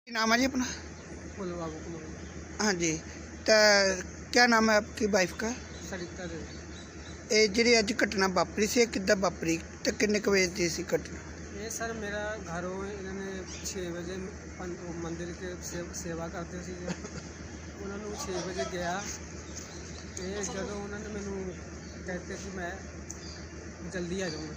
नाम है जी अपना? बोलो बाबू कुमार। हाँ जी। तो क्या नाम है आपकी वाइफ का? सरिता देवी। ये जी अज घटना वापरी से किदा वापरी तो किन्ने क बजे दी सी घटना? ये सर मेरा घरों इन्होंने 6 बजे मंदिर के सेवा करते सी उन्होंने 6 बजे गया तो जो उन्होंने मैनू कहते कि मैं जल्दी आ जाऊँगा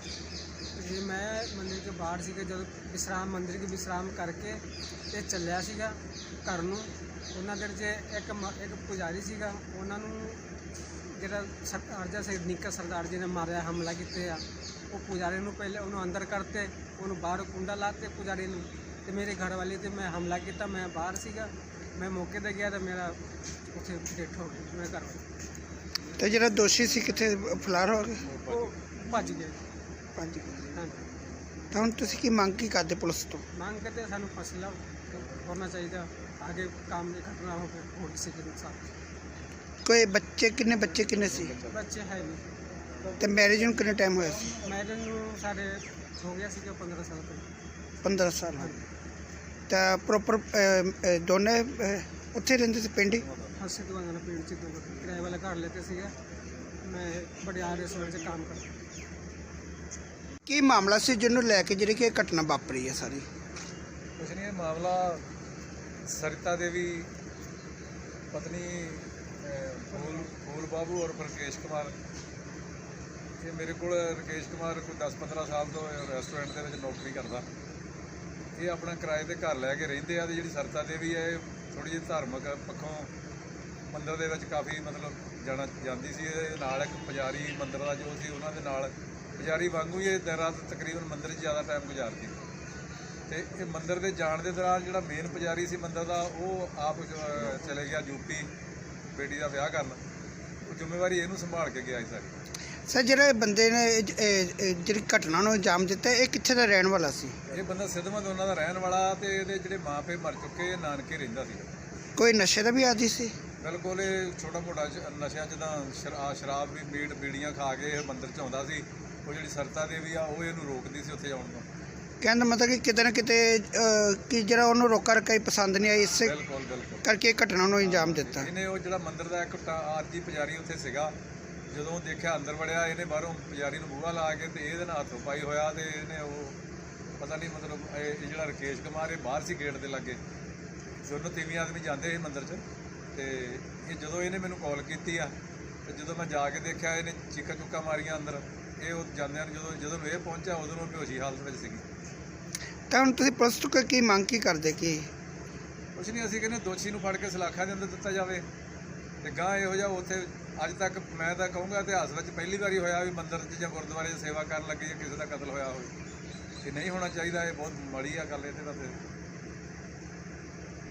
जी मैं मंदिर के बाहर सी जो विश्राम मंदिर के विश्राम करके ते चलिया सीगा घर नूं उन्हां दे च एक पुजारी सीगा उन्होंने ਜਿਹੜਾ ਸਰਦਾਰ ਜਿਹਾ ਸੈਨਿਕ ਸਰਦਾਰ ਜੀ ਨੇ ਮਾਰਿਆ ਹਮਲਾ ਕੀਤੇ ਆ ਉਹ ਪੁਜਾਰੀ ਨੂੰ ਪਹਿਲੇ ਉਹਨੂੰ ਅੰਦਰ ਕਰਤੇ ਉਹਨੂੰ ਬਾਹਰ ਕੁੰਡਾ ਲਾਤੇ ਪੁਜਾਰੀ ਨੂੰ ਤੇ ਮੇਰੇ ਘਰ ਵਾਲੇ ਤੇ ਮੈਂ ਹਮਲਾ ਕੀਤਾ ਮੈਂ ਬਾਹਰ ਸੀਗਾ ਮੈਂ ਮੌਕੇ ਤੇ ਗਿਆ ਤਾਂ ਮੇਰਾ ਉੱਥੇ ਡੈਥ ਹੋ ਗਈ ਮੇਰੇ ਘਰ ਵਾਲੇ ਤੇ ਜਿਹੜਾ ਦੋਸ਼ੀ ਸੀ ਕਿੱਥੇ ਫਲਾਰ ਹੋ ਗਿਆ? ਉਹ ਭੱਜ ਗਿਆ। ਹਾਂਜੀ। ਤਾਂ ਹੁਣ ਤੁਸੀਂ ਕੀ ਮੰਗ ਕੀ ਕਰਦੇ ਪੁਲਿਸ ਤੋਂ? ਮੰਗ ਕਰਦੇ ਸਾਨੂੰ ਫੈਸਲਾ ਹੋਣਾ ਚਾਹੀਦਾ आगे काम नहीं घटना हो और किसी के नुकसान। कोई बच्चे किन्ने सी? बच्चे है नहीं। तो मैरिज ਨੂੰ ਕਿੰਨਾ ਟਾਈਮ ਹੋਇਆ ਸੀ? मैरिज ਨੂੰ साढ़े हो गया सी 15 साल तक। 15 ਸਾਲ ਹੋ ਗਏ। ਤਾਂ ਪ੍ਰੋਪਰ ਦੋਨੇ ਉੱਥੇ ਰਹਿੰਦੇ ਸੀ ਪਿੰਡ ਹੀ? हंसी दुआंगा ना पिंड च किराए वाला घर लेते सी मैं बड़ियार रेस्टोरेंट से काम करता। ਕੀ ਮਾਮਲਾ ਸੀ ਜਿਹਨੂੰ ਲੈ ਕੇ ਜਿਹੜੀ ਕਿ ਇਹ ਘਟਨਾ ਵਾਪਰੀ ਹੈ ਸਾਰੀ? ਕੁਛ ਨਹੀਂ, ਇਹ ਮਾਮਲਾ सरिता देवी पत्नी फूल बाबू और राकेश कुमार ये मेरे को राकेश कुमार कोई 10-15 साल तो रेस्टोरेंट के नौकरी करता ये अपना किराए के घर लैके रेंदे आ। जी सरिता देवी है थोड़ी जी धार्मिक पक्षों मंदिर के काफ़ी मतलब जाना जाती सी। नाल एक पुजारी मंदिर का जो सी उन्होंने नाल पुजारी वांगू ही दिन रात तकरीबन मंदिर ज़्यादा टाइम गुजारती ਤੇ ਇਹ ਮੰਦਿਰ ਦੇ ਜਾਣ ਦੇ ਦੌਰਾਨ ਜਿਹੜਾ ਮੇਨ ਪੁਜਾਰੀ ਸੀ ਮੰਦਿਰ ਦਾ ਉਹ ਆਪ ਚਲੇ ਗਿਆ ਯੂਪੀ ਬੇਟੀ ਦਾ ਵਿਆਹ ਕਰਨ। ਉਹ ਜ਼ਿੰਮੇਵਾਰੀ ਇਹਨੂੰ ਸੰਭਾਲ ਕੇ ਗਿਆ ਸੀ ਸਾਰੀ। ਸਰ ਜਿਹੜੇ ਬੰਦੇ ਨੇ ਜਿਹੜੀ ਘਟਨਾ ਨੂੰ ਅੰਜਾਮ ਦਿੱਤਾ ਇਹ ਕਿੱਥੇ ਦਾ ਰਹਿਣ ਵਾਲਾ ਸੀ? ਇਹ ਬੰਦਾ ਸਿੱਧਮਤ ਉਹਨਾਂ ਦਾ ਰਹਿਣ ਵਾਲਾ ਤੇ ਇਹਦੇ ਜਿਹੜੇ ਮਾਪੇ ਮਰ ਚੁੱਕੇ ਨਾਨਕੇ ਰਹਿੰਦਾ ਸੀ। ਕੋਈ ਨਸ਼ੇ ਦਾ ਵੀ ਆਦੀ ਸੀ? ਬਿਲਕੁਲ ਇਹ ਛੋਟਾ ਮੋਟਾ ਨਸ਼ਿਆਂ ਜਿੱਦਾਂ ਸ਼ਰਾਬ ਵੀ ਬੀੜੀਆਂ ਖਾ ਕੇ ਇਹ ਮੰਦਿਰ 'ਚ ਆਉਂਦਾ ਸੀ। ਉਹ ਜਿਹੜੀ ਸਰਿਤਾ ਦੇਵੀ ਆ ਉਹ ਇਹਨੂੰ ਰੋਕਦੀ ਸੀ ਉੱਥੇ ਆਉਣ ਤੋਂ। ਕਹਿਣ ਦਾ ਮਤਲਬ ਕਿ ਕਿਤੇ ਨਾ ਕਿਤੇ ਕਿ ਜਿਹੜਾ ਉਹਨੂੰ ਰੋਕਾ ਰਕਾਈ ਪਸੰਦ ਨਹੀਂ ਆਈ ਇਸੇ ਕਰਕੇ ਘਟਨਾ ਨੂੰ ਅੰਜਾਮ ਦਿੱਤਾ। ਇਹਨੇ ਉਹ ਜਿਹੜਾ ਮੰਦਿਰ ਦਾ ਇੱਕ ਆਰਜੀ ਪੁਜਾਰੀ ਉੱਥੇ ਸੀਗਾ ਜਦੋਂ ਦੇਖਿਆ ਅੰਦਰ ਵੜਿਆ ਇਹਨੇ ਬਾਹਰੋਂ ਪੁਜਾਰੀ ਨੂੰ ਬੂਹਾ ਲਾ ਕੇ ਤੇ ਇਹਦੇ ਨਾਲ ਹੱਥੋਂ ਪਾਈ ਹੋਇਆ ਤੇ ਇਹਨੇ ਉਹ ਪਤਾ ਨਹੀਂ ਮਤਲਬ ਇਹ ਜਿਹੜਾ ਰਾਕੇਸ਼ ਕੁਮਾਰ ਇਹ ਬਾਹਰ ਸੀ ਗੇਟ ਦੇ ਲਾਗੇ ਦੋਨੋਂ ਤੀਵੀਂ ਆਦਮੀ ਜਾਂਦੇ ਸੀ ਮੰਦਿਰ 'ਚ ਤੇ ਇਹ ਜਦੋਂ ਇਹਨੇ ਮੈਨੂੰ ਕਾਲ ਕੀਤੀ ਆ ਤੇ ਜਦੋਂ ਮੈਂ ਜਾ ਕੇ ਦੇਖਿਆ ਇਹਨੇ ਚੀਕਾਂ ਚੁੱਕਾਂ ਮਾਰੀਆਂ ਅੰਦਰ। ਇਹ ਉਹ ਜਾਂਦਿਆਂ ਨੂੰ ਜਦੋਂ ਇਹ ਪਹੁੰਚਿਆ ਉਦੋਂ ਨੂੰ ਬੇਹੋਸ਼ੀ ਹਾਲਤ ਵਿੱਚ ਸੀਗੀ। ਤਾਂ ਹੁਣ ਤੁਸੀਂ ਪੁਲਿਸ ਤੋਂ ਕੀ ਮੰਗ ਕੀ ਕਰਦੇ? ਕਿ ਕੁਛ ਨਹੀਂ, ਅਸੀਂ ਕਹਿੰਦੇ ਦੋਸ਼ੀ ਨੂੰ ਫੜ ਕੇ ਸਲਾਖਾਂ ਦੇ ਅੰਦਰ ਦਿੱਤਾ ਜਾਵੇ ਤੇ ਗਾਂ ਇਹੋ ਜਿਹਾ ਉੱਥੇ ਅੱਜ ਤੱਕ ਮੈਂ ਤਾਂ ਕਹੂੰਗਾ ਇਤਿਹਾਸ ਵਿੱਚ ਪਹਿਲੀ ਵਾਰੀ ਹੋਇਆ ਵੀ ਮੰਦਿਰ 'ਚ ਜਾਂ ਗੁਰਦੁਆਰੇ 'ਚ ਸੇਵਾ ਕਰਨ ਲੱਗੇ ਜਾਂ ਕਿਸੇ ਦਾ ਕਤਲ ਹੋਇਆ ਹੋਵੇ। ਇਹ ਨਹੀਂ ਹੋਣਾ ਚਾਹੀਦਾ। ਇਹ ਬਹੁਤ ਮਾੜੀ ਆ ਗੱਲ ਇਹਦੇ ਵਾਸਤੇ।